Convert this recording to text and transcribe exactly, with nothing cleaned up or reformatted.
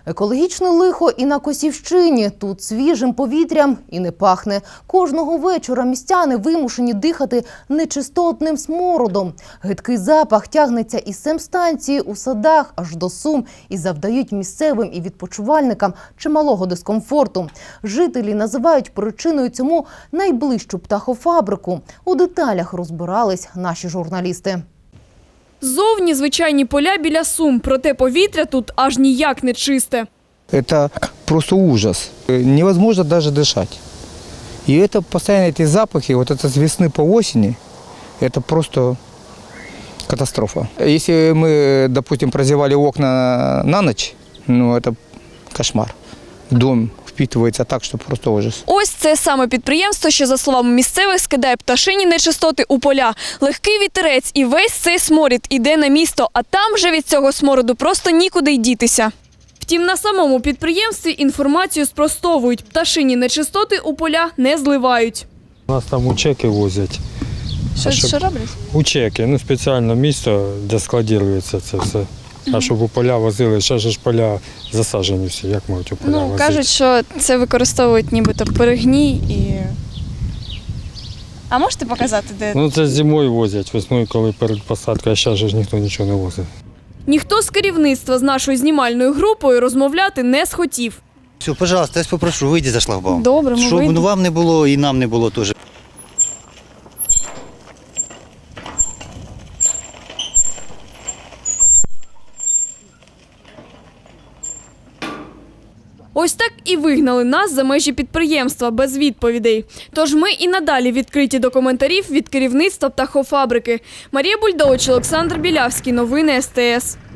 Екологічне лихо і на Косівщині. Тут свіжим повітрям і не пахне. Кожного вечора містяни вимушені дихати нечистотним смородом. Гидкий запах тягнеться із семстанції у Садах аж до Сум і завдають місцевим і відпочивальникам чималого дискомфорту. Жителі називають причиною цьому найближчу птахофабрику. У деталях розбирались наші журналісти. Зовні звичайні поля біля Сум, проте повітря тут аж ніяк не чисте. Это просто ужас. Невозможно даже дышать. И это постоянно эти запахи, вот это с весны по осени, это просто катастрофа. Если мы, допустим, прозевали окна на ночь, ну это кошмар. Дом впитывается так, що просто ужас. Ось це саме підприємство, що, за словами місцевих, скидає пташині нечистоти у поля. Легкий вітерець і весь цей сморід іде на місто, а там вже від цього смороду просто нікуди й дітися. Втім, на самому підприємстві інформацію спростовують. Пташині нечистоти у поля не зливають. У нас там учеки возять. Що, щоб... що роблять? Учеки, ну спеціальне місце, де складується це все. А щоб у поля возили, ще ж поля засаджені всі, як можуть у поля Ну, возити? кажуть, що це використовують нібито перегній і... А можете показати, де? Ну це зимою возять, весною, коли перед посадкою, а зараз ж ніхто нічого не возить. Ніхто з керівництва з нашою знімальною групою розмовляти не схотів. Все, пожалуйста, я вас попрошу, вийдіть за шлагбаум. Добре, ми Щоб вийдемо. вам не було і нам не було теж. Ось так і вигнали нас за межі підприємства без відповідей. Тож ми і надалі відкриті до коментарів від керівництва птахофабрики. Марія Бульдович, Олександр Білявський. Новини ес те ес.